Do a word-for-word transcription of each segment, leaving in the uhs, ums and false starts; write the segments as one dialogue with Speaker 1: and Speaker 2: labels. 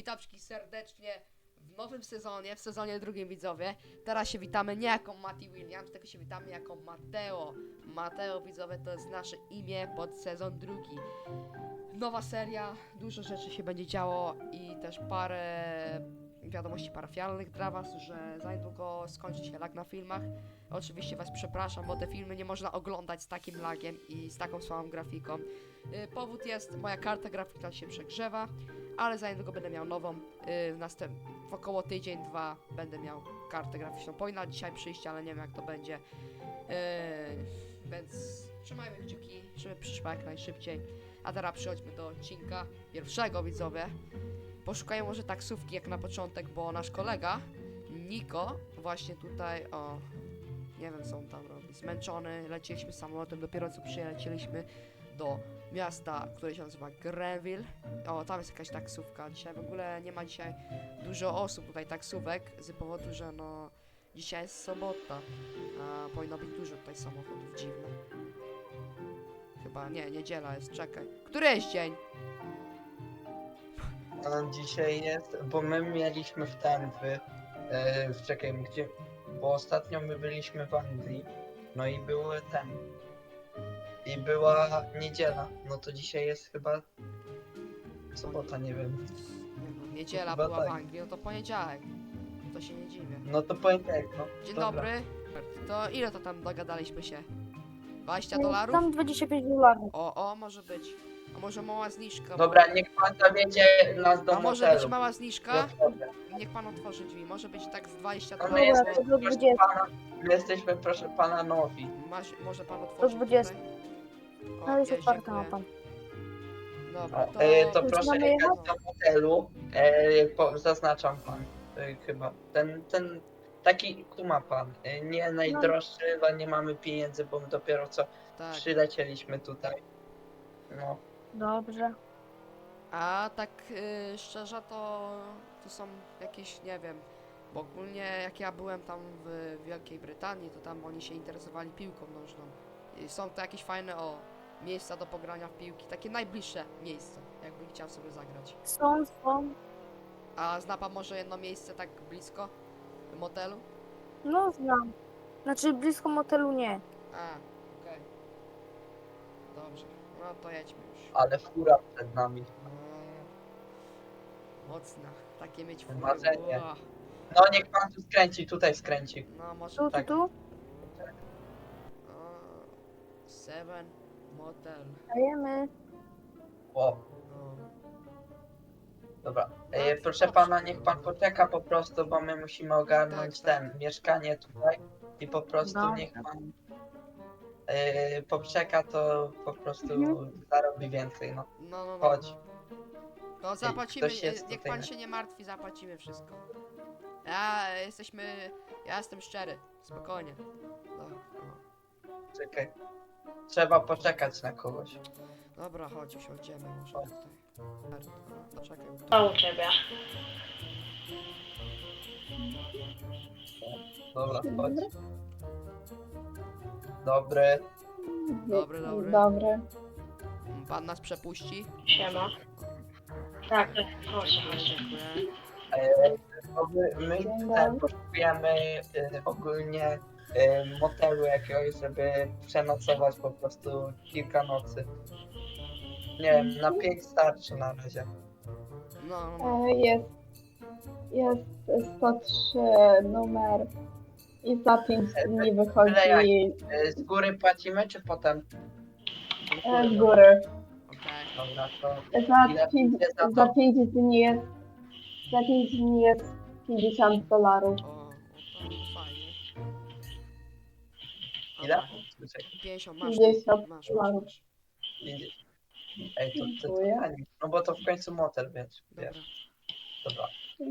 Speaker 1: Witam wszystkich serdecznie w nowym sezonie, w sezonie drugim, widzowie. Teraz się witamy nie jako Mati Williams, tylko się witamy jako Mateo. Mateo, widzowie, to jest nasze imię pod sezon drugi. Nowa seria, dużo rzeczy się będzie działo i też parę wiadomości parafialnych dla was, że za niedługo skończy się lag na filmach. Oczywiście was przepraszam, bo te filmy nie można oglądać z takim lagiem i z taką słabą grafiką. Yy, powód jest, moja karta graficzna się przegrzewa, ale za niedługo będę miał nową. Yy, w następ... w około tydzień, dwa będę miał kartę graficzną. Powinna dzisiaj przyjść, ale nie wiem jak to będzie. Yy, więc trzymajmy kciuki, żeby przyszła jak najszybciej. A teraz przechodźmy do odcinka pierwszego, widzowie. Poszukajmy może taksówki jak na początek, bo nasz kolega Niko właśnie tutaj, o, nie wiem co on tam robi, zmęczony, leciliśmy samolotem, dopiero co przylecieliśmy do miasta, które się nazywa Grenville. O, tam jest jakaś taksówka. Dzisiaj w ogóle nie ma dzisiaj dużo osób tutaj taksówek, z powodu, że no dzisiaj jest sobota, a powinno być dużo tutaj samochodów, dziwne. Chyba nie, niedziela jest, czekaj. Który jest dzień?
Speaker 2: A dzisiaj jest, bo my mieliśmy w ten, w, e, w czekaj, gdzie, bo ostatnio my byliśmy w Anglii, no i były ten, i była niedziela, no to dzisiaj jest chyba sobota, nie wiem,
Speaker 1: Nie no, niedziela
Speaker 2: Chyba
Speaker 1: była
Speaker 2: tak.
Speaker 1: w Anglii, no to poniedziałek. To się nie dziwię.
Speaker 2: no to poniedziałek, no.
Speaker 1: Dzień
Speaker 2: dobra.
Speaker 1: dobry. To ile to tam dogadaliśmy się? dwadzieścia dolarów?
Speaker 3: Tam dwadzieścia pięć dolarów.
Speaker 1: O, o, może być. A może mała zniżka?
Speaker 2: Dobra, niech pan zawiezie nas do
Speaker 1: A może być
Speaker 2: motelu.
Speaker 1: mała zniżka?
Speaker 2: Dobra.
Speaker 1: Niech pan otworzy drzwi. Może być tak z dwadzieścia
Speaker 2: No my
Speaker 1: dolarów.
Speaker 3: Dobra,
Speaker 2: jesteśmy,
Speaker 3: do
Speaker 2: proszę
Speaker 3: dwudziestu.
Speaker 2: pana, my jesteśmy, proszę pana, nowi.
Speaker 1: Masz, może pan otworzyć
Speaker 3: dwudziestu.
Speaker 1: tutaj? O,
Speaker 3: No jest
Speaker 1: jest,
Speaker 3: otwarta ma
Speaker 1: dziękuję.
Speaker 3: pan.
Speaker 1: Dobra,
Speaker 2: O,
Speaker 1: to...
Speaker 2: e, to
Speaker 3: Już
Speaker 2: proszę
Speaker 3: mamy
Speaker 2: jechać
Speaker 3: jechać?
Speaker 2: do motelu, e, po, zaznaczam pan, e, chyba, ten, ten, taki, tu ma pan, e, nie najdroższy, ale nie mamy pieniędzy, bo my dopiero co
Speaker 1: Tak.
Speaker 2: przylecieliśmy tutaj, no,
Speaker 3: Dobrze.
Speaker 1: A tak y, szczerze to... To są jakieś, nie wiem... Bo ogólnie jak ja byłem tam w Wielkiej Brytanii, to tam oni się interesowali piłką nożną. I są to jakieś fajne, o... Miejsca do pogrania w piłki, takie najbliższe miejsca, jakbym chciał sobie zagrać.
Speaker 3: Są, są.
Speaker 1: A zna pan może jedno miejsce tak blisko motelu?
Speaker 3: No znam. Znaczy blisko motelu nie.
Speaker 1: A, okej. Dobrze, no to jedźmy już.
Speaker 2: ale fura przed nami,
Speaker 1: No, mocna, takie mieć fury.
Speaker 2: Marzenie.
Speaker 1: Ua.
Speaker 2: no niech pan tu skręci, tutaj skręci,
Speaker 1: No może
Speaker 3: Tu, tu,
Speaker 2: Tak.
Speaker 3: tu.
Speaker 1: o, Seven Motel.
Speaker 3: Dajemy.
Speaker 2: o,
Speaker 1: No.
Speaker 2: dobra,
Speaker 1: No,
Speaker 2: e, proszę pana, niech pan poczeka po prostu, bo my musimy ogarnąć
Speaker 1: Tak,
Speaker 2: ten, mieszkanie tutaj i po prostu
Speaker 3: Dobra.
Speaker 2: niech pan e, poczeka, to po prostu
Speaker 3: Mhm.
Speaker 2: zarobi więcej, no.
Speaker 1: No, no, no.
Speaker 2: Chodź.
Speaker 1: No zapłacimy,
Speaker 2: ktoś jest
Speaker 1: e, niech
Speaker 2: tutaj,
Speaker 1: pan
Speaker 2: nie?
Speaker 1: się nie martwi, zapłacimy wszystko. Ja e, jesteśmy, ja jestem szczery, spokojnie. No, no.
Speaker 2: Czekaj. Trzeba poczekać na kogoś.
Speaker 1: Dobra, chodź, usiądziemy może
Speaker 2: Chodź.
Speaker 1: tutaj. No, czekaj. Tu.
Speaker 4: Co u ciebie?
Speaker 2: Dobra, chodź. Dobry.
Speaker 1: Dobry, dobry.
Speaker 3: Dobry.
Speaker 1: Pan nas przepuści?
Speaker 4: Siema. Tak, tak, proszę,
Speaker 1: Dziękuję,
Speaker 4: chodź.
Speaker 1: dziękuję.
Speaker 2: E, to my my ten, poszukujemy e, ogólnie e, motelu jakiegoś, żeby przenocować po prostu kilka nocy. Nie wiem, na pięć starczy na razie.
Speaker 1: No, no, no.
Speaker 5: E, Jest, jest sto trzy numer i za pięć dni wychodzi
Speaker 2: E, z góry płacimy, czy potem?
Speaker 5: e, z góry.
Speaker 1: Okej.
Speaker 2: Dobra, to
Speaker 5: Za
Speaker 2: Ile
Speaker 5: pięć,
Speaker 2: będzie za to?
Speaker 5: za pięć dni jest za pięć dni jest pięćdziesiąt dolarów.
Speaker 1: O, o, to fajnie.
Speaker 2: ile?
Speaker 1: Dobra,
Speaker 2: Czekaj,
Speaker 1: pięćdziesiąt, masz,
Speaker 5: pięćdziesiąt
Speaker 1: masz, masz,
Speaker 5: dolarów.
Speaker 1: masz.
Speaker 2: pięćdziesiąt. Ej, to, to, to
Speaker 5: Dziękuję.
Speaker 2: taniej. No bo to w końcu motel, wiesz,
Speaker 1: Dobra,
Speaker 2: wiesz. Dobra,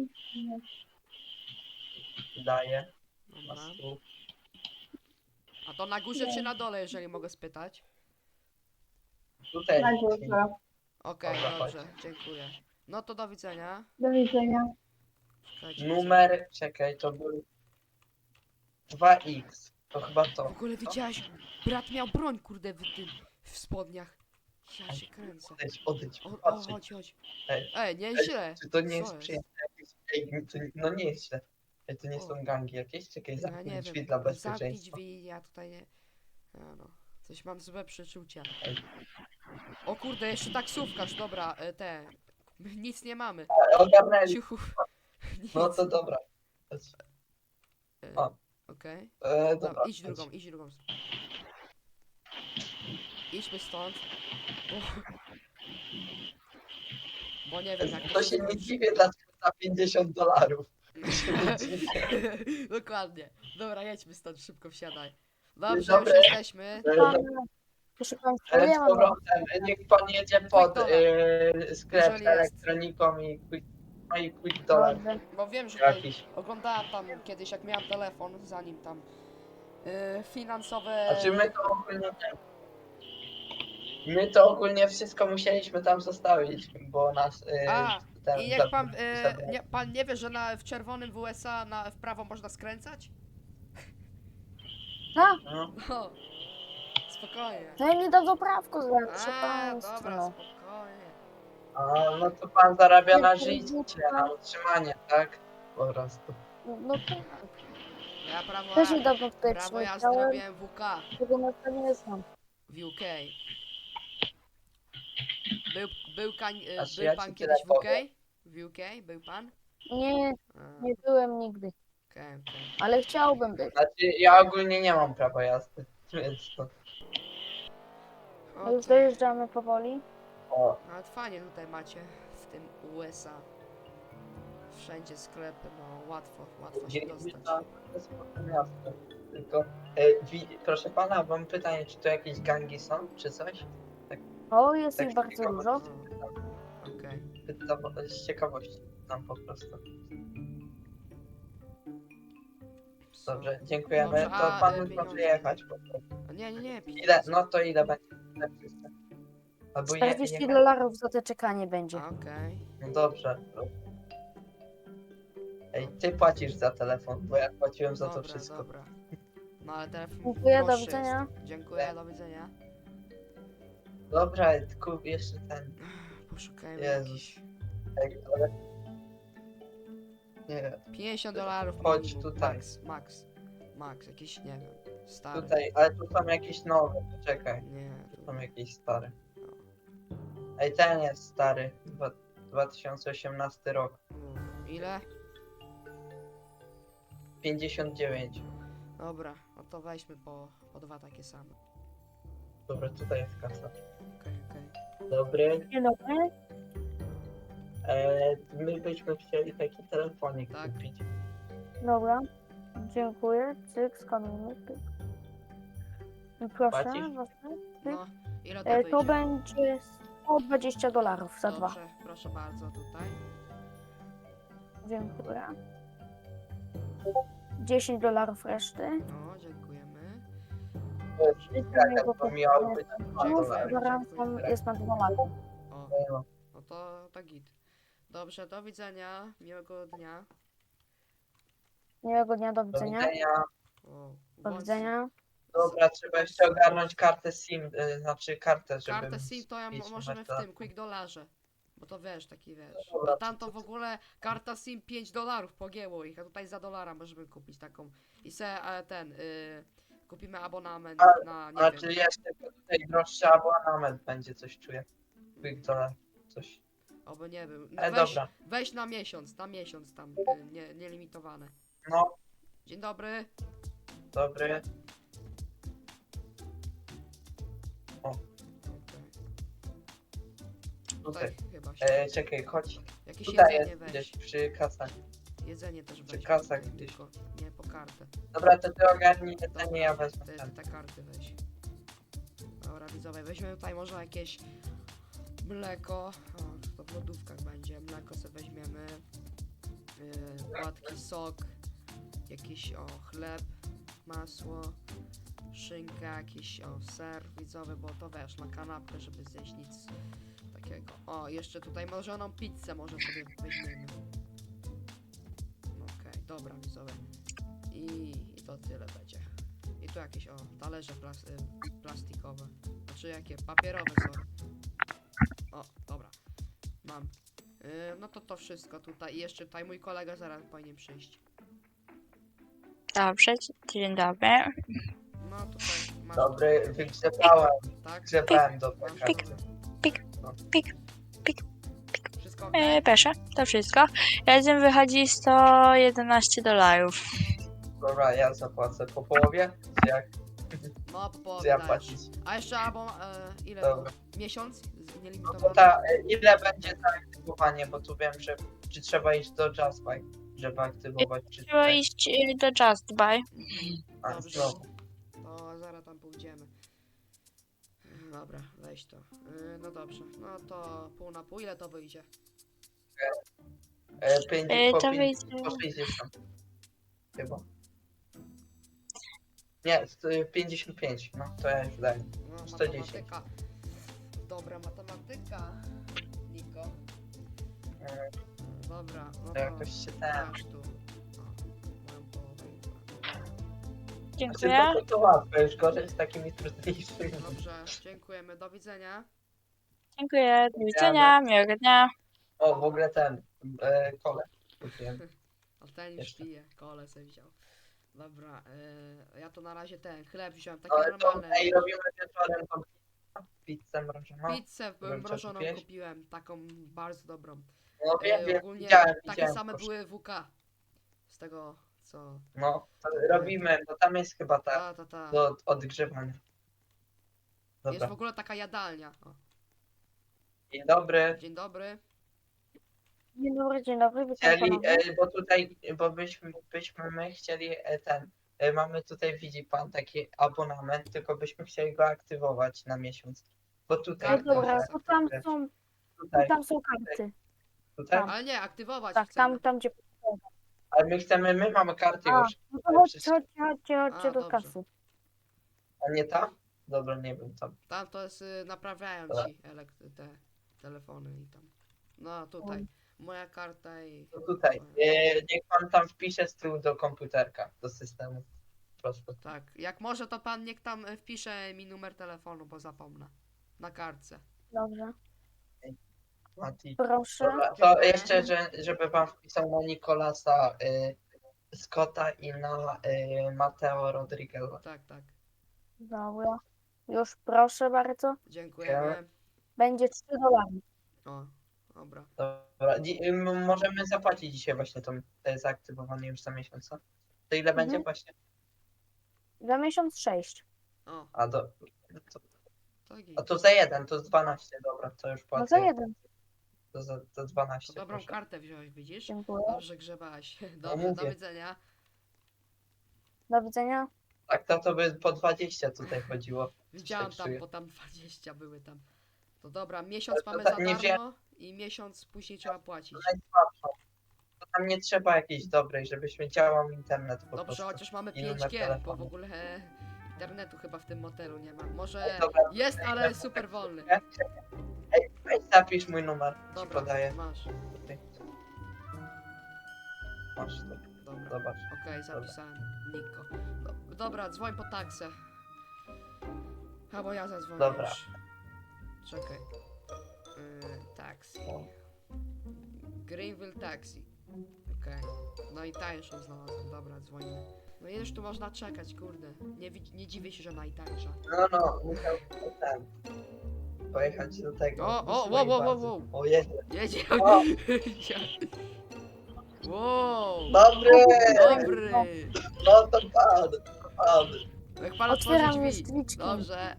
Speaker 2: daję na
Speaker 1: dobra.
Speaker 2: stół.
Speaker 1: A to na górze czy na dole, jeżeli mogę spytać?
Speaker 2: Tutaj.
Speaker 5: Na górze.
Speaker 1: Okej,
Speaker 2: Dobra,
Speaker 1: dobrze, dziękuję. No to do widzenia.
Speaker 5: Do widzenia.
Speaker 1: Czekajcie,
Speaker 2: Numer, czekaj, to był dwa iks. To chyba
Speaker 1: W
Speaker 2: to.
Speaker 1: ogóle widziałeś, brat miał broń, kurde, w tym, w spodniach. Ja się kręcę.
Speaker 2: Odejdź, odejdź,
Speaker 1: O, o
Speaker 2: patrz.
Speaker 1: chodź, chodź.
Speaker 2: Ej,
Speaker 1: Ej, nieźle.
Speaker 2: Czy to nie
Speaker 1: Co
Speaker 2: jest przyjemne jakieś? Ej, to, no nie jest źle. Ej, to nie
Speaker 1: O.
Speaker 2: są gangi jakieś? Czekaj,
Speaker 1: Ja
Speaker 2: zamknij
Speaker 1: nie
Speaker 2: drzwi
Speaker 1: wiem,
Speaker 2: dla
Speaker 1: zamknij
Speaker 2: bezpieczeństwa.
Speaker 1: drzwi, ja tutaj nie... Ja no, coś mam złe przeczucia.
Speaker 2: Ej.
Speaker 1: O kurde, jeszcze taksówkarz, dobra, e, te... My nic nie mamy.
Speaker 2: Ale ogarnęli.
Speaker 1: Ciuchu. Nic.
Speaker 2: No to dobra.
Speaker 1: E,
Speaker 2: o.
Speaker 1: Okej.
Speaker 2: E,
Speaker 1: Dobra,
Speaker 2: dobra,
Speaker 1: idź drugą, idź drugą. Idźmy stąd. Bo, bo nie wiem jak
Speaker 2: To się nie
Speaker 1: skończy.
Speaker 2: dziwię dlaczego za pięćdziesiąt dolarów. To się nie dziwię.
Speaker 1: Dokładnie. Dobra, jedźmy stąd, szybko wsiadaj. Dobrze, już
Speaker 2: Dobre.
Speaker 1: jesteśmy.
Speaker 2: E,
Speaker 3: Pan,
Speaker 2: no,
Speaker 3: proszę Państwa,
Speaker 2: e,
Speaker 3: ja
Speaker 2: Z
Speaker 3: mam
Speaker 2: powrotem, e, niech pan jedzie pod
Speaker 1: Quick
Speaker 2: e, sklep
Speaker 1: Jeżeli
Speaker 2: z
Speaker 1: jest.
Speaker 2: elektroniką i quick, no i quick dollar
Speaker 3: Dobrze.
Speaker 1: Bo wiem, że tutaj
Speaker 2: jakiś.
Speaker 1: oglądałem tam kiedyś, jak miałem telefon, zanim tam yy, finansowe...
Speaker 2: Znaczy my to ogólnie nie. My to ogólnie wszystko musieliśmy tam zostawić, bo nas e,
Speaker 1: A,
Speaker 2: ten
Speaker 1: I jak pan,
Speaker 2: zabrał-
Speaker 1: yy,
Speaker 2: zabrał.
Speaker 1: nie, pan nie wie, że na, w czerwonym w U S A na, w prawo można skręcać?
Speaker 3: Tak,
Speaker 2: No.
Speaker 1: No, spokojnie.
Speaker 3: no i nie dadzą prawko za, proszę
Speaker 1: A,
Speaker 3: Państwa.
Speaker 1: dobra,
Speaker 3: No.
Speaker 1: spokojnie.
Speaker 2: A, no to pan zarabia na
Speaker 3: Nie,
Speaker 2: życie,
Speaker 3: nie,
Speaker 2: na utrzymanie, tak? Po prostu.
Speaker 3: No tak,
Speaker 1: Ja prawo,
Speaker 3: też nie dadzą tutaj
Speaker 1: prawo jazdy
Speaker 3: przyleciałem,
Speaker 1: robiłem w U K,
Speaker 3: tego na to nie znam.
Speaker 1: w U K. Był, był, kań, yy,
Speaker 2: Znaczy,
Speaker 1: był
Speaker 2: ja
Speaker 1: pan
Speaker 2: ci
Speaker 1: kiedyś w
Speaker 2: tyle
Speaker 1: U K? W U K był pan?
Speaker 3: Nie,
Speaker 1: A,
Speaker 3: nie byłem nigdy,
Speaker 1: okej, okej.
Speaker 3: ale chciałbym być.
Speaker 2: Znaczy, ja ogólnie nie mam prawa jazdy, więc to...
Speaker 3: A już
Speaker 1: Okej.
Speaker 3: dojeżdżamy powoli.
Speaker 2: O,
Speaker 1: Ale fajnie tutaj macie w tym U S A. Wszędzie sklepy, no łatwo, łatwo się
Speaker 2: dzielimy
Speaker 1: dostać.
Speaker 2: to to spoko miasto. Tylko, e, wi, proszę pana, mam pytanie, czy to jakieś gangi są, czy coś?
Speaker 3: O, jest
Speaker 2: Tak
Speaker 3: ich bardzo
Speaker 2: ciekawe.
Speaker 3: dużo.
Speaker 1: O, okej.
Speaker 2: Pytam z ciekawości, tam po prostu.
Speaker 1: So-
Speaker 2: Dobrze, dziękujemy.
Speaker 1: Dobrze,
Speaker 2: To
Speaker 1: a,
Speaker 2: pan
Speaker 1: e,
Speaker 2: może
Speaker 1: pieniądze?
Speaker 2: jechać po prostu.
Speaker 1: A Nie, nie, nie,
Speaker 2: Ile,
Speaker 1: pieniądze.
Speaker 2: no to ile będzie? Albo je,
Speaker 3: czterdzieści
Speaker 2: jechać?
Speaker 3: dolarów za te czekanie będzie.
Speaker 1: A, okej.
Speaker 2: No dobrze. Ej, ty płacisz za telefon, bo ja płaciłem za to
Speaker 1: Dobra,
Speaker 2: wszystko.
Speaker 1: dobra. No ale telefon
Speaker 3: Dziękuję, do
Speaker 1: droższy
Speaker 3: widzenia.
Speaker 1: jest. Dziękuję, do widzenia.
Speaker 2: Dobra, kup jeszcze ten.
Speaker 1: Poszukajmy
Speaker 2: Jezus.
Speaker 1: jakiś...
Speaker 2: Ej, ale... Nie,
Speaker 1: pięćdziesiąt dolarów
Speaker 2: Chodź
Speaker 1: minimum.
Speaker 2: tutaj.
Speaker 1: Max, max. Max, jakiś, nie wiem, stary.
Speaker 2: tutaj, ale tu są jakieś nowe, poczekaj.
Speaker 1: Nie, tu...
Speaker 2: Są jakieś stare. Ej, ten jest stary. Dwa, dwa tysiące osiemnasty rok.
Speaker 1: u, Ile?
Speaker 2: pięćdziesiąt dziewięć.
Speaker 1: Dobra, no to weźmy po, po dwa takie same.
Speaker 2: Dobra, tutaj jest kasa.
Speaker 1: Okej, okej.
Speaker 2: Dobry.
Speaker 3: Dzień dobry.
Speaker 2: E, my byśmy chcieli taki telefonik
Speaker 1: Tak.
Speaker 2: kupić.
Speaker 3: Dobra. Dziękuję. Cyk, skanujmy. Pyk. I Proszę,
Speaker 2: Płacisz?
Speaker 3: właśnie.
Speaker 1: No, ile to
Speaker 3: E,
Speaker 1: wyjdzie?
Speaker 3: To będzie sto dwadzieścia dolarów za dwa.
Speaker 1: Dobrze, proszę bardzo, tutaj.
Speaker 3: Dziękuję. dziesięć dolarów reszty.
Speaker 1: No, dziękujemy.
Speaker 2: Jaka to miało być? dwa
Speaker 3: Znów
Speaker 2: dolary.
Speaker 3: gwarancją jest na dwa lata.
Speaker 1: O,
Speaker 2: No,
Speaker 1: no to tak git. Dobrze, do widzenia, miłego dnia.
Speaker 3: Miłego dnia, do
Speaker 2: Do
Speaker 3: widzenia.
Speaker 2: widzenia.
Speaker 1: O,
Speaker 3: Do
Speaker 1: włącz-
Speaker 3: widzenia.
Speaker 2: Dobra, trzeba jeszcze ogarnąć kartę SIM, y, znaczy kartę, żeby...
Speaker 1: Kartę SIM to ja mo-
Speaker 2: mieć
Speaker 1: możemy
Speaker 2: na
Speaker 1: w
Speaker 2: telefon.
Speaker 1: tym Quick Dollarze. Bo to wiesz, taki wiesz.
Speaker 2: Dobra,
Speaker 1: A tam to w ogóle karta SIM pięć dolarów pogięło ich, a tutaj za dolara możemy kupić taką. I se e, ten, y, kupimy abonament
Speaker 2: A-
Speaker 1: na, nie
Speaker 2: Znaczy
Speaker 1: wiem.
Speaker 2: jeszcze tutaj droższy abonament będzie, coś czuję. Quick dollar, coś.
Speaker 1: Oby nie był. No
Speaker 2: Ale
Speaker 1: weź,
Speaker 2: dobra,
Speaker 1: weź na miesiąc, na miesiąc tam, y, nie, nielimitowane.
Speaker 2: no,
Speaker 1: Dzień dobry.
Speaker 2: dobry.
Speaker 1: Tutaj
Speaker 2: Tutaj.
Speaker 1: chyba się.
Speaker 2: E, czekaj, chodź.
Speaker 1: Jakieś
Speaker 2: Tutaj
Speaker 1: jedzenie
Speaker 2: jest
Speaker 1: weź.
Speaker 2: gdzieś przy kasach.
Speaker 1: Jedzenie też
Speaker 2: przy
Speaker 1: weź.
Speaker 2: kasach
Speaker 1: tutaj,
Speaker 2: gdzieś.
Speaker 1: tylko nie po kartę.
Speaker 2: Dobra, to ty ogarnij jedzenie,
Speaker 1: Dobra,
Speaker 2: ja wezmę
Speaker 1: Te,
Speaker 2: ten.
Speaker 1: te karty weź. Dobra, widzowie, weźmiemy tutaj może jakieś mleko. O, to w lodówkach będzie. Mleko sobie weźmiemy. Yy, płatki, sok. Jakiś o chleb, masło, szynka, jakiś o ser widzowy, bo to wiesz, na kanapkę, żeby zjeść nic takiego. O, jeszcze tutaj mrożoną pizzę może sobie weźmiemy. Okej, dobra widzowie. I, I to tyle będzie. I tu jakieś o talerze plas y, plastikowe. Znaczy jakie? Papierowe, sorry. O, dobra. Mam. Yy, no to to wszystko tutaj. I jeszcze tutaj mój kolega zaraz powinien przyjść.
Speaker 6: Dobrze, dzień dobry.
Speaker 1: No tutaj masz.
Speaker 2: Dobry, wygrzebałem,
Speaker 1: Tak?
Speaker 2: grzebałem do
Speaker 1: Masz
Speaker 2: karty.
Speaker 6: Pik,
Speaker 2: No.
Speaker 6: pik,
Speaker 1: Wszystko ok?
Speaker 6: E, proszę, to wszystko. Razem wychodzi sto jedenaście dolarów.
Speaker 2: Dobra, ja zapłacę po połowie, czy jak?
Speaker 1: No, po
Speaker 2: Czy ja
Speaker 1: dajesz.
Speaker 2: płacić?
Speaker 1: A jeszcze albo e, ile?
Speaker 2: Dobra.
Speaker 1: Miesiąc? Z-
Speaker 2: No to
Speaker 1: Nielimitowane?
Speaker 2: ta, ile będzie zaaktywowanie, bo tu wiem, że czy trzeba iść do Jazzbike, żeby aktywować, czy
Speaker 6: Trzeba
Speaker 2: tutaj?
Speaker 6: iść e, do Just Buy.
Speaker 2: A,
Speaker 1: Dobrze.
Speaker 2: znowu.
Speaker 1: To zaraz tam pójdziemy. Dobra, weź to. Yy, no dobrze. No to pół na pół. Ile to wyjdzie?
Speaker 2: E, pięć,
Speaker 6: E,
Speaker 2: po,
Speaker 6: to
Speaker 2: pięć,
Speaker 6: wyjdzie-
Speaker 2: po sześćdziesiąt. Chyba. Nie, st- pięćdziesiąt pięć, no to ja już daję.
Speaker 1: No,
Speaker 2: sto dziesięć.
Speaker 1: matematyka. Dobra, matematyka. Niko.
Speaker 2: E,
Speaker 1: Dobra, no
Speaker 2: to
Speaker 1: to
Speaker 2: jakoś się ten...
Speaker 1: masz tu. O, moją połowę.
Speaker 2: Znaczy,
Speaker 6: Dziękuję.
Speaker 2: to, to łatwe, już gorzej z takimi trudniejszymi.
Speaker 1: Dobrze, dziękujemy. Do widzenia.
Speaker 6: Dziękuję, do widzenia, miłego dnia.
Speaker 2: O, w ogóle ten, e, kole. kupiłem.
Speaker 1: A ten już
Speaker 2: Jeszcze.
Speaker 1: pije. Kole sobie wziął. Dobra, yy, ja to na razie ten chleb wziąłem. Taki
Speaker 2: Ale to
Speaker 1: normalny.
Speaker 2: ej, robimy wieczorem tą pizzę mrożoną.
Speaker 1: Pizzę
Speaker 2: Wiem, co
Speaker 1: mrożoną
Speaker 2: kupiłeś?
Speaker 1: kupiłem. Taką bardzo dobrą.
Speaker 2: No wiem,
Speaker 1: Yy,
Speaker 2: wiem,
Speaker 1: ogólnie
Speaker 2: widziałem,
Speaker 1: takie
Speaker 2: widziałem.
Speaker 1: same
Speaker 2: proszę.
Speaker 1: były W K. Z tego co.
Speaker 2: No, to robimy, bo tam jest chyba ta
Speaker 1: Ta, ta, ta.
Speaker 2: do odgrzewania.
Speaker 1: Jest
Speaker 2: Dobra.
Speaker 1: w ogóle taka jadalnia. O,
Speaker 2: Dzień dobry.
Speaker 1: dzień dobry.
Speaker 3: Dzień dobry, dzień dobry, witam
Speaker 2: Chcieli,
Speaker 3: ponownie.
Speaker 2: e, bo tutaj, bo byśmy, byśmy my chcieli e, ten, e, mamy tutaj, widzi pan, taki abonament, tylko byśmy chcieli go aktywować na miesiąc. Bo tutaj,
Speaker 1: Tak,
Speaker 3: No dobra,
Speaker 2: proszę,
Speaker 3: to tam są,
Speaker 2: tutaj,
Speaker 3: tam są karty.
Speaker 2: tutaj,
Speaker 3: tam.
Speaker 1: Ale nie, aktywować
Speaker 3: Tak,
Speaker 1: chcemy.
Speaker 3: tam, tam gdzie...
Speaker 2: ale my chcemy, my mamy karty
Speaker 3: A,
Speaker 2: już,
Speaker 3: no to chodźcie, chodźcie, chodźcie, chodźcie
Speaker 1: A,
Speaker 3: do
Speaker 1: dobrze.
Speaker 3: kasy.
Speaker 2: a nie tam? Dobra, nie wiem, tam.
Speaker 1: Tam to jest, y, naprawiają
Speaker 2: Dobra.
Speaker 1: ci elekt- te telefony i tam. No tutaj. Moja karta i.
Speaker 2: To tutaj, e, niech pan tam wpisze z tyłu do komputerka, do systemu. Proszę.
Speaker 1: Tak. Jak może to pan niech tam y, wpisze mi numer telefonu, bo zapomnę. Na kartce.
Speaker 3: Dobrze,
Speaker 2: Mati.
Speaker 3: proszę.
Speaker 2: Dobra, to
Speaker 1: Dziękuję.
Speaker 2: jeszcze, że, żeby pan wpisał na Nicolasa y, Scotta i na y, Mateo Rodriguez'a.
Speaker 1: Tak, tak.
Speaker 3: Dobra. Już proszę bardzo.
Speaker 1: Dziękujemy.
Speaker 3: Będzie trzy dolary.
Speaker 1: O, dobra.
Speaker 2: Dobra, dzi- y, m- możemy zapłacić dzisiaj właśnie to y, zaaktywowanie już za miesiąc, co? To ile będzie
Speaker 3: Mhm.
Speaker 2: właśnie?
Speaker 3: Za miesiąc sześć.
Speaker 1: O,
Speaker 2: A, do, to,
Speaker 1: to git.
Speaker 2: a to za jeden, to z dwanaście, dobra, to już
Speaker 3: No
Speaker 2: płacę.
Speaker 3: za jeden.
Speaker 2: To za, to
Speaker 1: To
Speaker 2: dwanaście,
Speaker 1: dobrą
Speaker 2: proszę.
Speaker 1: kartę wziąłeś, widzisz?
Speaker 3: Dziękuję.
Speaker 1: Dobrze grzebałaś. Dobrze, do
Speaker 2: mówię.
Speaker 1: widzenia.
Speaker 3: Do widzenia.
Speaker 2: Tak, to, to by po dwadzieścia tutaj chodziło.
Speaker 1: Widziałam
Speaker 2: tak
Speaker 1: tam,
Speaker 2: czuję.
Speaker 1: bo tam dwadzieścia były tam. To dobra, miesiąc
Speaker 2: Ale to
Speaker 1: mamy
Speaker 2: tak
Speaker 1: za
Speaker 2: nie
Speaker 1: darmo i miesiąc później trzeba płacić.
Speaker 2: Najsłabszą. To tam nie trzeba jakiejś dobrej, żebyśmy działał internet po
Speaker 1: Dobrze,
Speaker 2: prostu.
Speaker 1: chociaż mamy
Speaker 2: I numer
Speaker 1: pięć G, bo
Speaker 2: telefonu.
Speaker 1: w ogóle e, internetu chyba w tym motelu nie ma. Może
Speaker 2: Dobra,
Speaker 1: jest, ale super wolny.
Speaker 2: Ej, weź zapisz mój numer, ci
Speaker 1: Dobra,
Speaker 2: podaję.
Speaker 1: masz.
Speaker 2: Masz to,
Speaker 1: Dobra,
Speaker 2: zobacz.
Speaker 1: okej, zapisałem. Niko. Do, dobra, dzwoń po taksę. Albo ja zadzwonię
Speaker 2: Dobra.
Speaker 1: już. Czekaj. Yy, taxi. Greenville Taxi. Okej. No i tańszą znalazłem. Dobra, dzwonimy. No i już tu można czekać, kurde. Nie, wi- nie dziwię się, że najtańsza.
Speaker 2: No, no, musiał ten, pojechać do tego.
Speaker 1: O,
Speaker 2: do
Speaker 1: o,
Speaker 2: swojej
Speaker 1: wow, wow,
Speaker 2: bazy.
Speaker 1: wow,
Speaker 2: O, jedzie.
Speaker 1: Jedzie.
Speaker 2: O.
Speaker 1: Wow.
Speaker 2: Dobry!
Speaker 1: Dobry.
Speaker 2: No to pan, to pan.
Speaker 1: Jak pan otworzy
Speaker 3: Otwieram
Speaker 1: drzwi.
Speaker 3: już drzwiczki.
Speaker 1: Dobrze.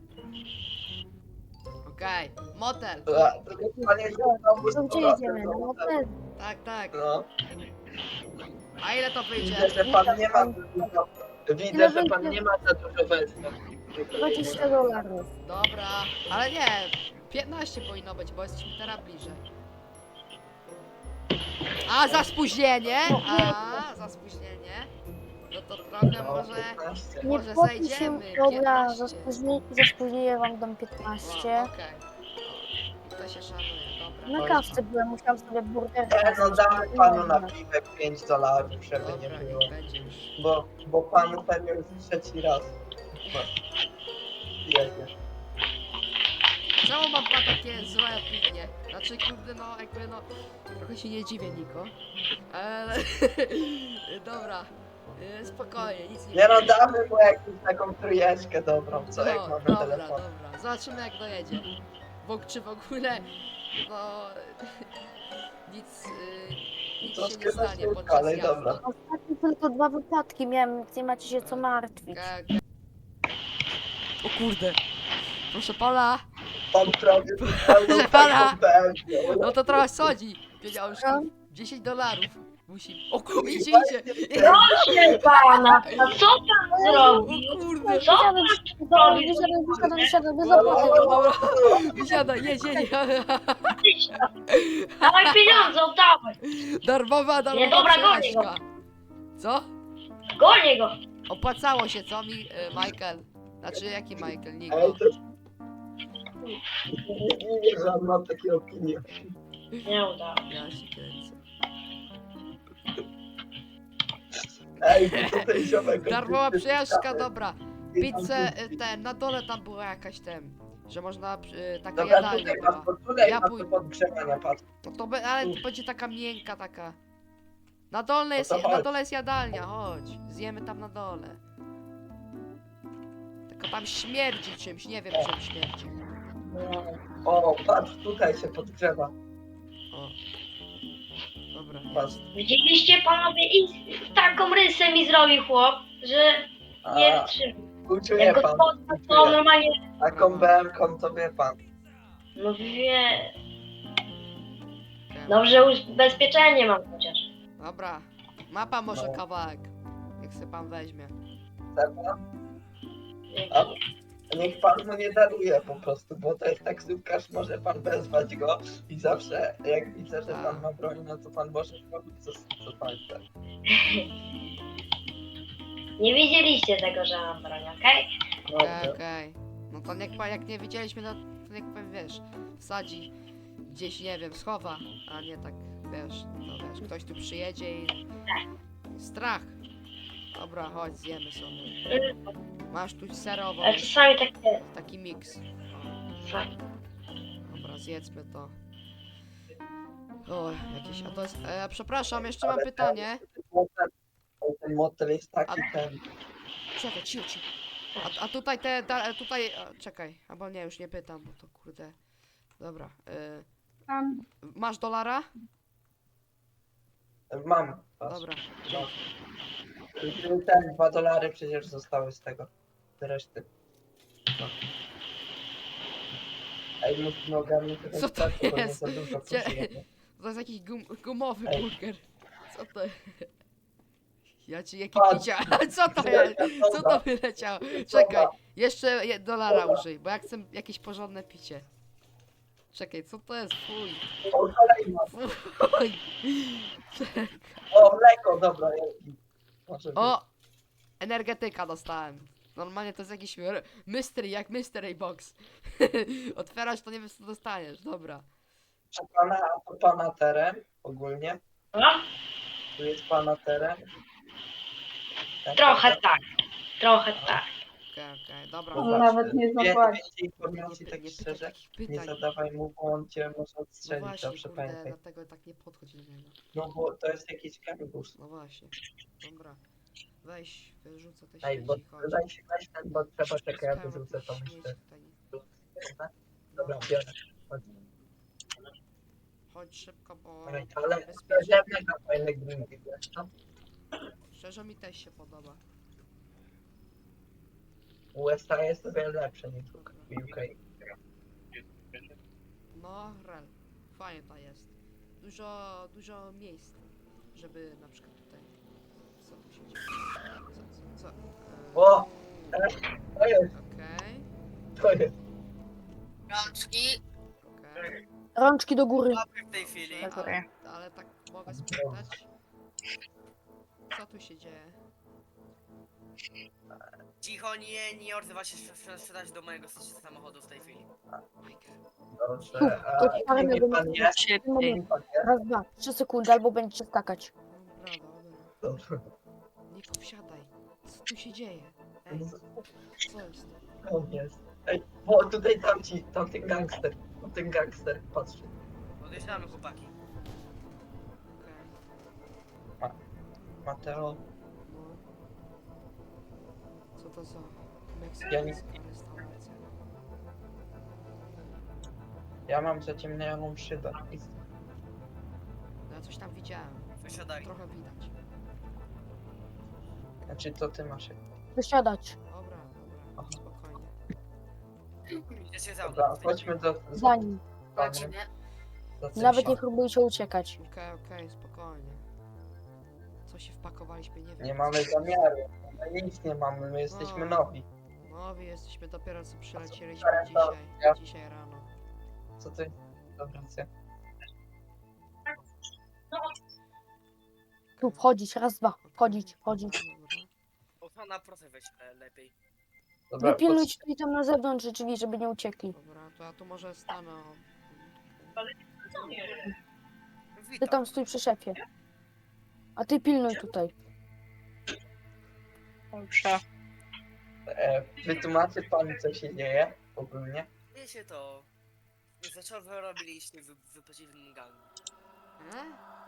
Speaker 1: Okej. Motel.
Speaker 2: Dobra, to niech pan jedzie znowu z
Speaker 3: To gdzie
Speaker 2: powrotem
Speaker 3: jedziemy?
Speaker 2: do
Speaker 3: No
Speaker 2: hotelu.
Speaker 3: motel.
Speaker 1: Tak, tak.
Speaker 2: No,
Speaker 1: A ile to wyjdzie?
Speaker 2: widzę, że pan nie ma dużo, widzę, że pan nie ma za dużo wersji.
Speaker 3: dwadzieścia dolarów.
Speaker 1: Dobra, ale nie. piętnaście powinno być, bo jesteśmy teraz bliżej. A, za spóźnienie? A, za spóźnienie. No to trochę
Speaker 2: No,
Speaker 1: może...
Speaker 2: piętnaście.
Speaker 3: Nie
Speaker 1: Może
Speaker 3: płaci się.
Speaker 1: zejdziemy,
Speaker 3: Dobra, za
Speaker 1: piętnaście.
Speaker 3: spóźnienie, za spóźnienie wam dam
Speaker 1: O,
Speaker 3: piętnaście.
Speaker 1: okej. O, to się szanuje, dobra.
Speaker 3: Na kawce byłem, musiałam sobie burger
Speaker 2: Nie, no
Speaker 3: zjeść.
Speaker 2: damy panu na piwek pięć dolarów, żeby nie
Speaker 1: Dobra,
Speaker 2: było.
Speaker 1: niech będzie już.
Speaker 2: Bo, bo panu pewnie już trzeci raz. Jedzie.
Speaker 1: Czemu mam pan takie złe opinie? Znaczy, kurde, no, jakby, no, trochę się nie dziwię, Niko. Ale, dobra, y, spokojnie, nic nie
Speaker 2: Nie no, damy mu jakąś taką trójeczkę dobrą, co jak
Speaker 1: No,
Speaker 2: mamy
Speaker 1: dobra,
Speaker 2: telefon.
Speaker 1: dobra, zobaczymy jak dojedzie. Bo, czy w ogóle, no, nic, y, nic się
Speaker 2: Troszkę
Speaker 1: nie stanie
Speaker 2: na
Speaker 1: podczas
Speaker 2: ale
Speaker 1: jazdy.
Speaker 2: dobra.
Speaker 3: Ostatnio tylko dwa wypadki miałem, więc nie macie się co martwić.
Speaker 1: Tak. O kurde. Proszę pana,
Speaker 2: On prawie
Speaker 1: Proszę pana!
Speaker 2: taką
Speaker 1: no to trochę sodzi. Pieniążki.
Speaker 3: No.
Speaker 1: dziesięć dolarów. Musi. O kurde, idzie, idzie.
Speaker 4: Proszę pana, a co pan
Speaker 1: O
Speaker 4: zrobił?
Speaker 1: kurde.
Speaker 4: Co pan zrobił?
Speaker 3: Wysiadaj, wysiadaj, wysiadaj, bez
Speaker 1: Dobra,
Speaker 3: zabawy.
Speaker 1: dobra, dobra. Wysiadaj, jedź, jedź.
Speaker 4: Dawaj pieniądze, oddawaj.
Speaker 1: Darmowa, darmowa
Speaker 4: Nie, dobra, gonię
Speaker 1: przejażdżka. Co?
Speaker 4: Gonię go.
Speaker 1: Opłacało się, co mi, y, Michael? Znaczy, jaki Michael? Niko.
Speaker 2: Ej, to... Nie wierzę, że on ma takie opinie.
Speaker 4: Nie udało.
Speaker 1: Ja się kręcę.
Speaker 2: Ej, to ten ziomek...
Speaker 1: Darmowa
Speaker 2: oczywiście
Speaker 1: przejażdżka,
Speaker 2: ciekawy.
Speaker 1: dobra.
Speaker 2: I tam
Speaker 1: Pizzę,
Speaker 2: kupi.
Speaker 1: y, ten, na dole tam była jakaś ten, że można, y, taka
Speaker 2: Dobra,
Speaker 1: jadalnia
Speaker 2: tutaj
Speaker 1: była.
Speaker 2: masz, bo tutaj
Speaker 1: Ja
Speaker 2: masz
Speaker 1: pój-
Speaker 2: do podgrzewania, patrz.
Speaker 1: No to be, ale to będzie taka miękka taka. Na dole jest,
Speaker 2: No to
Speaker 1: na
Speaker 2: chodź.
Speaker 1: dole jest jadalnia, chodź. Zjemy tam na dole. Tylko tam śmierdzi czymś, nie wiem czym śmierdzi.
Speaker 2: O, patrz, tutaj się podgrzewa.
Speaker 1: O. Dobra.
Speaker 2: Patrz.
Speaker 4: Widzieliście panowie i taką rysę mi zrobił chłop, że nie
Speaker 2: A,
Speaker 4: wytrzymał.
Speaker 2: uczuję
Speaker 4: Jak go
Speaker 2: pan.
Speaker 4: spotkał, to normalnie,
Speaker 2: Taką B M ką to wie pan.
Speaker 4: no wie,
Speaker 1: Okej.
Speaker 4: dobrze ubezpieczenie mam chociaż.
Speaker 1: Dobra. Ma pan może
Speaker 2: No.
Speaker 1: kawałek. Jak se pan weźmie.
Speaker 2: Chce pan? A niech pan mu nie daruje po prostu, bo to jest taksówkarz, może pan wezwać go i zawsze jak widzę, że pan ma broń, no to pan może robić co, co pan chce.
Speaker 4: Nie widzieliście tego, że mam broń, okej?
Speaker 1: Okej,
Speaker 2: Dobrze.
Speaker 1: okej. No to niech pan, jak nie widzieliśmy, no to niech pan, wiesz, wsadzi gdzieś, nie wiem, schowa, a nie tak, wiesz, no wiesz, ktoś tu przyjedzie i... Strach. Dobra, chodź, zjemy sobie. Masz tu serową,
Speaker 4: Ale czasami tak jest.
Speaker 1: taki miks.
Speaker 4: Tak.
Speaker 1: Dobra, zjedzmy to. O, jakieś, a to jest, e, przepraszam, jeszcze mam pytanie.
Speaker 2: Motel, ten motel jest taki
Speaker 1: A-
Speaker 2: ten.
Speaker 1: Czekaj, cicho, cicho. A, a tutaj te, da, tutaj, a, czekaj, albo nie, już nie pytam, bo to kurde. Dobra, e,
Speaker 5: Tam
Speaker 1: masz dolara?
Speaker 2: Mam. Patrz.
Speaker 1: Dobra.
Speaker 2: No. Ten dwa dolary przecież zostały z tego. Z reszty. No. Ej, musimy ogarnąć trochę
Speaker 1: Co to
Speaker 2: czasu, bo nie
Speaker 1: jest?
Speaker 2: za dużo
Speaker 1: Cie-
Speaker 2: potrzebujemy.
Speaker 1: To jest jakiś gum, gumowy
Speaker 2: Ej.
Speaker 1: burger. Co to jest? Ja ci jaki
Speaker 2: Patrz.
Speaker 1: picia. Co to jest? Co to wyleciało? Czekaj, jeszcze je, dolara użyj, bo ja chcę jakieś porządne picie. Czekaj, co to jest? Fuj.
Speaker 2: O, kolejna.
Speaker 1: Fuj. Czekaj.
Speaker 2: O, mleko, dobra. jest. Może być.
Speaker 1: O! Energetyka dostałem. Normalnie to jest jakiś r- mystery, jak mystery box. Otwierasz, to nie wiesz co dostaniesz, dobra.
Speaker 2: Proszę pana, a to pana teren ogólnie?
Speaker 4: No,
Speaker 2: Tu jest pana teren? Tak,
Speaker 4: trochę tak. Trochę tak.
Speaker 1: Okej, okej, dobra.
Speaker 5: To
Speaker 2: Zobacz,
Speaker 5: nawet nie
Speaker 2: wie-
Speaker 5: zapłaci.
Speaker 2: Więcej informacji,
Speaker 1: Nie,
Speaker 2: tak
Speaker 1: nie pytaj
Speaker 2: szczerze,
Speaker 1: takich
Speaker 2: nie
Speaker 1: pytań.
Speaker 2: zadawaj mu, bo on cię może
Speaker 1: No
Speaker 2: odstrzelić,
Speaker 1: właśnie,
Speaker 2: zawsze
Speaker 1: kurde,
Speaker 2: pamiętaj.
Speaker 1: dlatego tak nie podchodź do niego.
Speaker 2: No bo to jest jakiś kangus.
Speaker 1: No właśnie. Dobra. Weź, wyrzucę te
Speaker 2: Ej, bo
Speaker 1: śmieci, chodź.
Speaker 2: daj się weź ten, bo trzeba czekać, ja
Speaker 1: Skoro
Speaker 2: wyrzucę
Speaker 1: te
Speaker 2: to
Speaker 1: śmieci
Speaker 2: myślę.
Speaker 1: tutaj-
Speaker 2: Dobra, biorę. Chodź.
Speaker 1: Chodź szybko, bo...
Speaker 2: Ej, Ale
Speaker 1: bezpiecznie.
Speaker 2: szczerze, mega fajne gringi, wiesz co?
Speaker 1: Szczerze mi też się podoba.
Speaker 2: U S A jest o wiele lepsze niż u U K.
Speaker 1: No, rel. Fajnie to jest. Dużo, dużo miejsc, żeby na przykład tutaj... Co tu się dzieje? Co, co, co? Eee,
Speaker 2: O! To jest,
Speaker 1: Okej,
Speaker 2: to jest.
Speaker 7: Rączki
Speaker 1: okej.
Speaker 3: Rączki do góry.
Speaker 7: w tej chwili.
Speaker 1: Ale, ale tak mogę spytać? Co tu się dzieje?
Speaker 7: Cicho, nie, nie odzywa się sprze- sprzedać do mojego samochodu w tej chwili.
Speaker 1: Michael.
Speaker 2: Dobrze, a
Speaker 3: To parę
Speaker 2: kim pan
Speaker 3: minut.
Speaker 2: jest?
Speaker 6: Szybciej.
Speaker 2: Kim pan jest?
Speaker 3: Raz, dwa, trzy sekundy, albo będziecie skakać.
Speaker 1: Dobra, dobra.
Speaker 2: Dobrze.
Speaker 1: Niko, wsiadaj. Co tu się dzieje? Ej, co jest?
Speaker 2: On jest. Ej, bo tutaj tamci, tamten gangster, tamten gangster, patrzcie.
Speaker 7: Odjeżdżamy, chłopaki.
Speaker 1: Okej.
Speaker 2: Mateo,
Speaker 1: No. Co to za
Speaker 2: Ja nie-
Speaker 1: meksykańska restauracja?
Speaker 2: ja mam zaciemnioną szybę. I-
Speaker 1: No ja coś tam widziałem.
Speaker 7: Wysiadaj.
Speaker 1: Trochę widać.
Speaker 2: Znaczy, co ty masz?
Speaker 3: Wysiadać.
Speaker 1: Dobra, dobra, spokojnie.
Speaker 7: Idziecie za mną.
Speaker 2: Dobra, chodźmy do...
Speaker 3: Za nim.
Speaker 7: Lecimy.
Speaker 2: do
Speaker 3: Nawet nie
Speaker 2: Cysia.
Speaker 3: próbujcie uciekać.
Speaker 1: Okej, okej, spokojnie. Co się wpakowaliśmy, nie wiem.
Speaker 2: Nie mamy zamiaru. My nic nie mamy, my jesteśmy
Speaker 1: No.
Speaker 2: nowi.
Speaker 1: Nowi jesteśmy, dopiero co przylecieliśmy dzisiaj, dzisiaj rano.
Speaker 2: Co ty? Dobra, co?
Speaker 3: Tu wchodzić, raz, dwa. Wchodzić, wchodzić.
Speaker 1: Dobra.
Speaker 7: Ochrona, proszę weź e, lepiej.
Speaker 2: Dobra,
Speaker 3: Wypilnujcie tutaj tam na zewnątrz drzwi, żeby nie uciekli.
Speaker 1: Dobra, to ja tu może stanę. O.
Speaker 3: Ty
Speaker 7: Witam.
Speaker 3: tam stój przy szefie. A ty pilnuj tutaj.
Speaker 6: Dobrze.
Speaker 2: e, wytłumaczy pan, co się dzieje ogólnie?
Speaker 7: Wiecie to... Za co wy robiliście w, w przeciwnym gangu?
Speaker 1: E?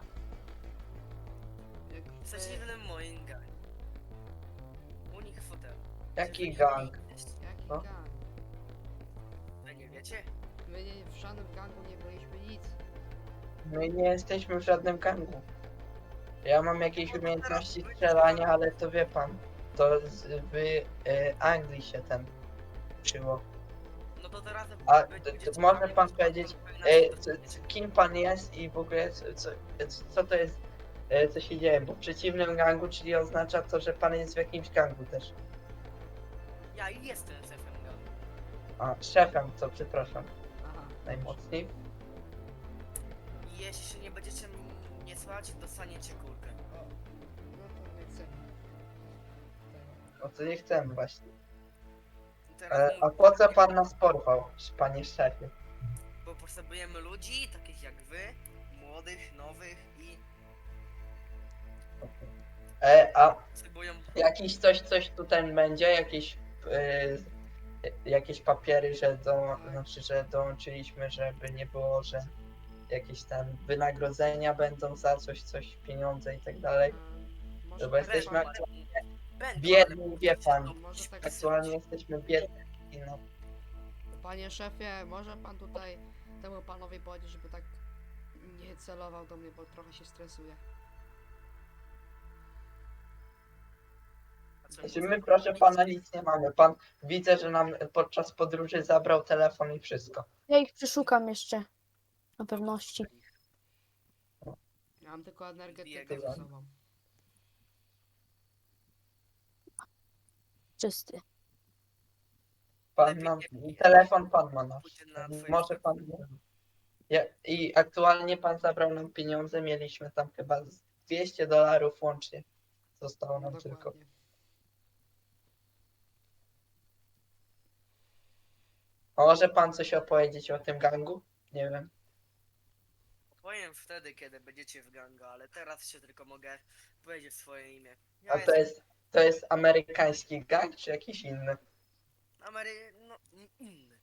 Speaker 1: Jak,
Speaker 7: W
Speaker 1: e,
Speaker 7: przeciwnym moim gangu. U nich w fotelu.
Speaker 2: Jaki
Speaker 7: Wy
Speaker 2: gang?
Speaker 7: nie jesteście.
Speaker 1: jaki
Speaker 2: No.
Speaker 1: gang?
Speaker 7: Wy nie wiecie?
Speaker 1: My nie, w żadnym gangu nie byliśmy nic.
Speaker 2: My nie jesteśmy w żadnym gangu. Ja mam jakieś umiejętności strzelania, ale to wie pan. To z, w e, Anglii się ten uczyło.
Speaker 7: No to teraz...
Speaker 2: A,
Speaker 7: wy
Speaker 2: to- to
Speaker 7: będziecie
Speaker 2: może
Speaker 7: mieli
Speaker 2: pan
Speaker 7: to-
Speaker 2: powiedzieć,
Speaker 7: to-
Speaker 2: E,
Speaker 7: to-
Speaker 2: co, co, kim pan jest i w ogóle co, co, co to jest, e, co się dzieje? Bo w przeciwnym gangu, czyli oznacza to, że pan jest w jakimś gangu też.
Speaker 7: Ja jestem szefem gangu.
Speaker 2: A, szefem, co przepraszam,
Speaker 1: Aha.
Speaker 2: najmocniej.
Speaker 7: I jeśli się nie będziecie mnie słuchać, dostaniecie kulkę.
Speaker 1: O, no to nie chcę.
Speaker 2: O co nie chcemy właśnie.
Speaker 7: I teraz
Speaker 2: E, a
Speaker 7: mówię,
Speaker 2: po co pan nas porwał, panie szefie?
Speaker 7: Bo potrzebujemy ludzi, takich jak wy, młodych, nowych i
Speaker 2: E, a
Speaker 7: potrzebują...
Speaker 2: jakiś coś, coś tutaj będzie, jakieś, e, jakieś papiery, że do, znaczy, że dołączyliśmy, żeby nie było, że jakieś tam wynagrodzenia będą za coś, coś, pieniądze i tak dalej.
Speaker 1: E, może
Speaker 2: Bo
Speaker 1: tak
Speaker 2: jesteśmy
Speaker 1: pan-
Speaker 2: aktualnie
Speaker 7: Będą,
Speaker 2: biedni,
Speaker 7: ale
Speaker 2: wie pan.
Speaker 1: Może tak
Speaker 2: Aktualnie jesteśmy biedni. i No,
Speaker 1: Panie szefie, może pan tutaj temu panowi powiedzieć, żeby tak nie celował do mnie, bo trochę się stresuje.
Speaker 7: A co,
Speaker 2: znaczy my, proszę pana, nic nie mamy. Pan widzę, że nam podczas podróży zabrał telefon i wszystko.
Speaker 3: Ja ich przeszukam jeszcze. Na pewności.
Speaker 1: Ja mam tylko energetykę
Speaker 7: Biegam.
Speaker 1: ze sobą.
Speaker 3: Czysty.
Speaker 2: Pan nam, telefon pan ma nasz.
Speaker 7: Pójdźcie na twoje
Speaker 2: Może pan. Ja, I aktualnie pan zabrał nam pieniądze, mieliśmy tam chyba z dwieście dolarów łącznie. Zostało nam tylko.
Speaker 1: Dokładnie.
Speaker 2: A może pan coś opowiedzieć o tym gangu? Nie wiem.
Speaker 7: Powiem wtedy, kiedy będziecie w gangu, ale teraz się tylko mogę powiedzieć swoje imię. Ja
Speaker 2: A to
Speaker 7: jestem
Speaker 2: jest, to jest amerykański gang, czy jakiś inny?
Speaker 7: Amery... no in- inny.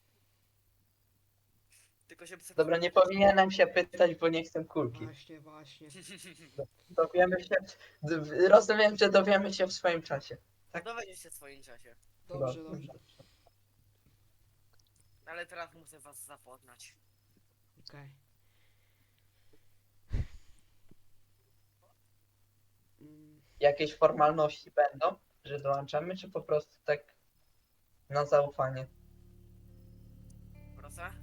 Speaker 7: Tylko się...
Speaker 2: Dobra, nie powinienem się pytać, bo nie chcę kulki.
Speaker 1: Właśnie, właśnie.
Speaker 2: Dowiemy się, d- rozumiem, że dowiemy się w swoim czasie. Tak.
Speaker 7: Dowiedzieć się w swoim czasie.
Speaker 1: Dobrze, dobrze.
Speaker 7: Ale teraz muszę was zapoznać.
Speaker 1: Okej. Mm,
Speaker 2: Jakieś formalności będą, że dołączamy, czy po prostu tak na zaufanie?
Speaker 7: Proszę?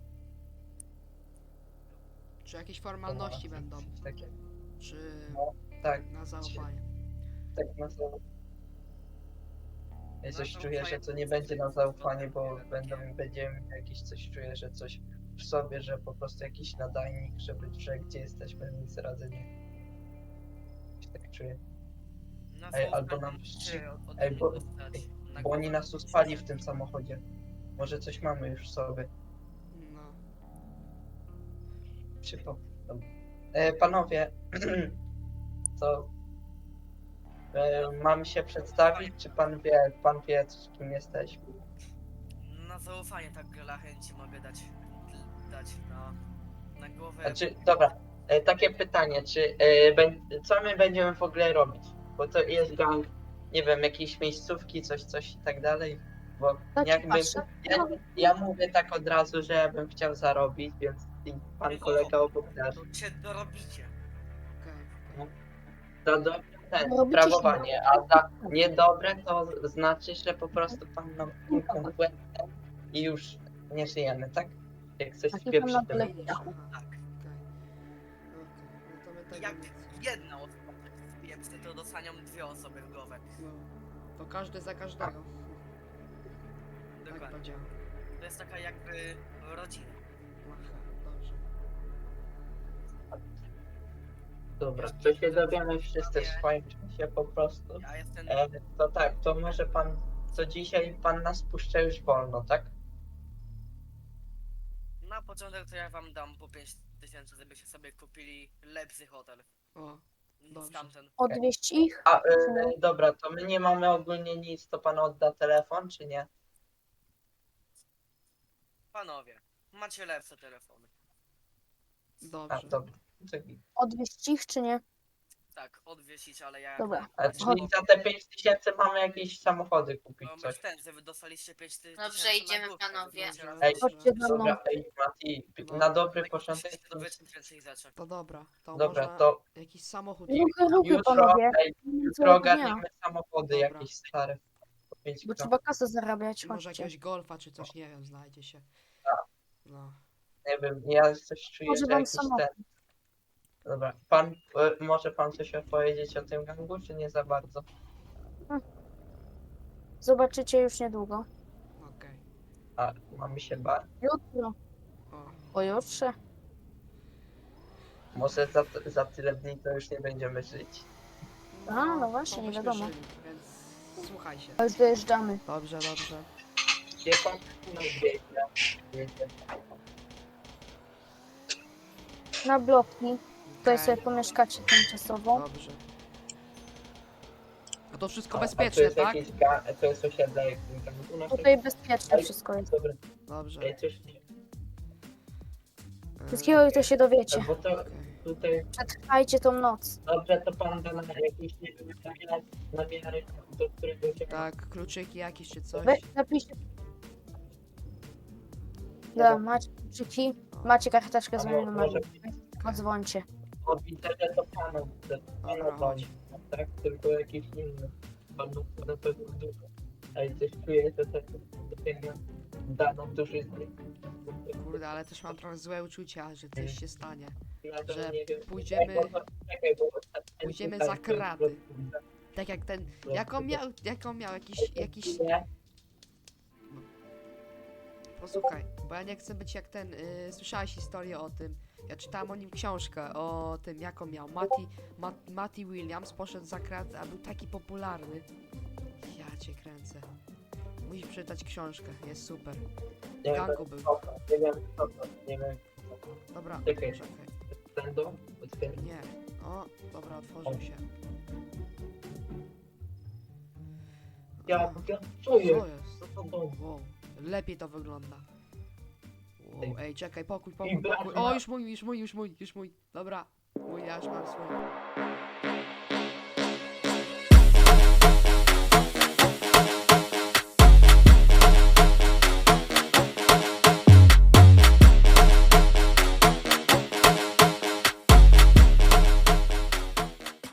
Speaker 1: Czy jakieś formalności będą?
Speaker 2: Coś takiego.
Speaker 1: Czy
Speaker 2: Tak,
Speaker 1: na zaufanie?
Speaker 2: tak na zaufanie. Ja
Speaker 7: Na
Speaker 2: coś czuję, że
Speaker 7: zaufanie
Speaker 2: to nie
Speaker 7: to
Speaker 2: będzie na
Speaker 7: jest
Speaker 2: zaufanie,
Speaker 7: dobre,
Speaker 2: bo
Speaker 7: takie.
Speaker 2: będą, będziemy jakieś coś czuję, że coś w sobie, że po prostu jakiś nadajnik, żeby, że gdzie jesteśmy, nic razy nie. Coś tak czuję.
Speaker 7: Na
Speaker 2: Ej,
Speaker 7: zaufanie
Speaker 2: albo nam
Speaker 7: musicie
Speaker 2: przy-
Speaker 7: od-
Speaker 2: ej, bo-
Speaker 7: dostać na
Speaker 2: Bo oni
Speaker 7: głowę.
Speaker 2: nas uspali w tym samochodzie. Może coś mamy już w sobie.
Speaker 1: No.
Speaker 2: Przypo. E, panowie, to e, mam się przedstawić, czy pan wie, pan wie, kim jesteśmy?
Speaker 7: Na zaufanie tak dla chęci mogę dać, dać na, na głowę.
Speaker 2: Znaczy, dobra, e, takie pytanie, czy e, bę- co my będziemy w ogóle robić? Bo to jest gang, nie wiem, jakieś miejscówki, coś, coś i tak dalej. Bo
Speaker 3: Tak ci
Speaker 2: jakby,
Speaker 3: patrzę.
Speaker 2: ja, ja mówię tak od razu, że ja bym chciał zarobić, więc i pan kolega obok też.
Speaker 7: To cię dorobicie.
Speaker 1: Okej.
Speaker 2: To dobre ten,
Speaker 3: Robicie się-
Speaker 2: sprawowanie, a za niedobre to znaczy, że po prostu pan nam piłką w łeb i już nie żyjemy, tak? Jak coś
Speaker 3: Taki
Speaker 2: spieprzy
Speaker 3: pan
Speaker 2: tym.
Speaker 3: na
Speaker 1: Widzisz,
Speaker 7: Tak.
Speaker 1: aha, okej. Okej, no to my tego
Speaker 7: Jak
Speaker 1: nic.
Speaker 7: jedna osoba pieprzy, to dostanią dwie osoby w głowę.
Speaker 1: No, to każdy za każdego. Tak
Speaker 7: Dokładnie.
Speaker 1: powiedziałem.
Speaker 7: To jest taka jakby rodzina.
Speaker 1: Aha, dobrze.
Speaker 2: Dobra, to się dowiemy wszyscy w swoim czasie po prostu.
Speaker 7: Ja jestem.
Speaker 2: E, to tak, to może pan, co dzisiaj pan nas puszcza już wolno, tak?
Speaker 7: Na początek to ja wam dam po pięć tysięcy, żebyście sobie kupili lepszy hotel
Speaker 1: O,
Speaker 7: niż
Speaker 1: Dobrze.
Speaker 7: tamten.
Speaker 3: Odwieźć ich?
Speaker 2: A, e, dobra, to my nie mamy ogólnie nic, to pan odda telefon, czy nie?
Speaker 7: Panowie, macie lepsze telefony.
Speaker 2: A,
Speaker 1: dobrze.
Speaker 2: dobra. Czekaj.
Speaker 3: Odwieźć ich, czy nie?
Speaker 7: Tak, odwiesić, ale ja.
Speaker 3: Dobra.
Speaker 2: A czyli za te pięć tysięcy mamy jakieś samochody kupić,
Speaker 7: No
Speaker 2: coś.
Speaker 7: bez ten, że wy dostaliście pięć tysięcy.
Speaker 8: Dobrze,
Speaker 7: na
Speaker 8: idziemy,
Speaker 7: główkę,
Speaker 8: panowie.
Speaker 7: więc teraz
Speaker 2: Ej,
Speaker 3: Chodźcie za mną.
Speaker 2: Dobra, ej, Mati,
Speaker 1: No.
Speaker 2: na dobry
Speaker 7: tak
Speaker 2: początek.
Speaker 7: musicie dowiedzieć więcej rzeczy.
Speaker 1: To dobra, to
Speaker 2: Dobra,
Speaker 1: można
Speaker 2: to
Speaker 1: jakiś samochód.
Speaker 3: Ruchy, ruchy,
Speaker 2: jutro,
Speaker 3: panowie.
Speaker 2: ej, jutro
Speaker 3: Złego dnia.
Speaker 2: ogarniemy samochody
Speaker 1: Dobra.
Speaker 2: jakieś stare. Po pięć
Speaker 3: Bo
Speaker 2: kron.
Speaker 3: trzeba kasę zarabiać,
Speaker 1: Może
Speaker 3: chodźcie.
Speaker 1: jakiegoś golfa czy coś, nie wiem, znajdzie się.
Speaker 2: Tak.
Speaker 1: No.
Speaker 2: Nie wiem, ja coś czuję,
Speaker 3: Może
Speaker 2: że
Speaker 3: wam
Speaker 2: jakiś
Speaker 3: samochód.
Speaker 2: ten... Dobra, pan, e, może pan coś opowiedzieć o tym gangu, czy nie za bardzo?
Speaker 3: Zobaczycie już niedługo.
Speaker 1: Okej.
Speaker 2: A, mamy się bać?
Speaker 3: Jutro,
Speaker 1: O,
Speaker 3: pojutrze.
Speaker 2: Może za, za tyle dni to już nie będziemy żyć.
Speaker 3: A, no właśnie,
Speaker 1: to
Speaker 3: nie
Speaker 1: byśmy
Speaker 3: wiadomo.
Speaker 1: żyli, Więc słuchaj się.
Speaker 3: A już dojeżdżamy.
Speaker 1: Dobrze, dobrze.
Speaker 2: Gdzie pan no, biegnie? Wiecie.
Speaker 3: Na bloki. Tutaj
Speaker 1: Okej,
Speaker 3: sobie pomieszkacie tymczasowo.
Speaker 1: Dobrze. No to wszystko
Speaker 2: A,
Speaker 1: bezpieczne,
Speaker 2: a to jest
Speaker 1: tak?
Speaker 2: jakiś ga, to jest osiedle jakimś gangu naszego?
Speaker 3: Tutaj bezpieczne wszystko jest.
Speaker 2: Dobra,
Speaker 1: Dobrze.
Speaker 2: ej, coś nie...
Speaker 3: Wszystkiego jutro się dowiecie.
Speaker 2: Bo to
Speaker 1: Okej.
Speaker 2: tutaj...
Speaker 3: Przetrwajcie tą noc.
Speaker 2: Dobrze, to pan da nam jakieś, nie wiem, namiary, namiary do którego się...
Speaker 1: Tak, kluczyki jakieś czy coś.
Speaker 3: Wy napiszcie. Da, macie kluczyki, macie karteczkę z
Speaker 2: A
Speaker 3: moim
Speaker 2: mo-
Speaker 3: numerem.
Speaker 2: może-
Speaker 3: Odzwońcie.
Speaker 2: O, widzę, że to panu, że to
Speaker 1: Dobra,
Speaker 2: panu
Speaker 1: chodź.
Speaker 2: dzwoni, tak? Tylko jakiś inny. Panu to na pewno dużo. Ej, coś czuję, że to tutaj da nam duży zbyt.
Speaker 1: Kurde, ale też mam trochę złe uczucia, że coś się stanie.
Speaker 2: Ja to
Speaker 1: że
Speaker 2: nie wiem.
Speaker 1: pójdziemy-
Speaker 2: Ej, bo to- czekaj, bo ostatnio
Speaker 1: pójdziemy
Speaker 2: tutaj
Speaker 1: za
Speaker 2: to-
Speaker 1: kraty. Tak jak ten. Jak on miał, jak on miał jakiś, jakiś.
Speaker 2: Nie,
Speaker 1: Posłuchaj, bo ja nie chcę być jak ten. Yy, słyszałeś historię o tym. Ja czytałem o nim książkę, o tym jak on miał. Matty, Mat, Matty Williams poszedł za kraty, a był taki popularny. Ja cię kręcę. Musisz przeczytać książkę, jest super.
Speaker 2: nie
Speaker 1: W
Speaker 2: wiem,
Speaker 1: gangu był.
Speaker 2: co to, nie wiem, co to, nie wiem.
Speaker 1: Dobra,
Speaker 2: Czekaj.
Speaker 1: czekaj.
Speaker 2: Ten dom? Otwieram.
Speaker 1: Nie. O, dobra, otworzył się.
Speaker 2: Ja,
Speaker 1: A,
Speaker 2: ja, co
Speaker 1: co
Speaker 2: jest?
Speaker 1: jest?
Speaker 2: Co to dom?
Speaker 1: Wow, lepiej to wygląda. Wow,
Speaker 2: Ej.
Speaker 1: ej, czekaj, pokój,
Speaker 2: I
Speaker 1: pokój,
Speaker 2: brak
Speaker 1: pokój.
Speaker 2: ma-
Speaker 1: O, już mój, już mój, już mój, już mój. Dobra, mój, ja już mam swój.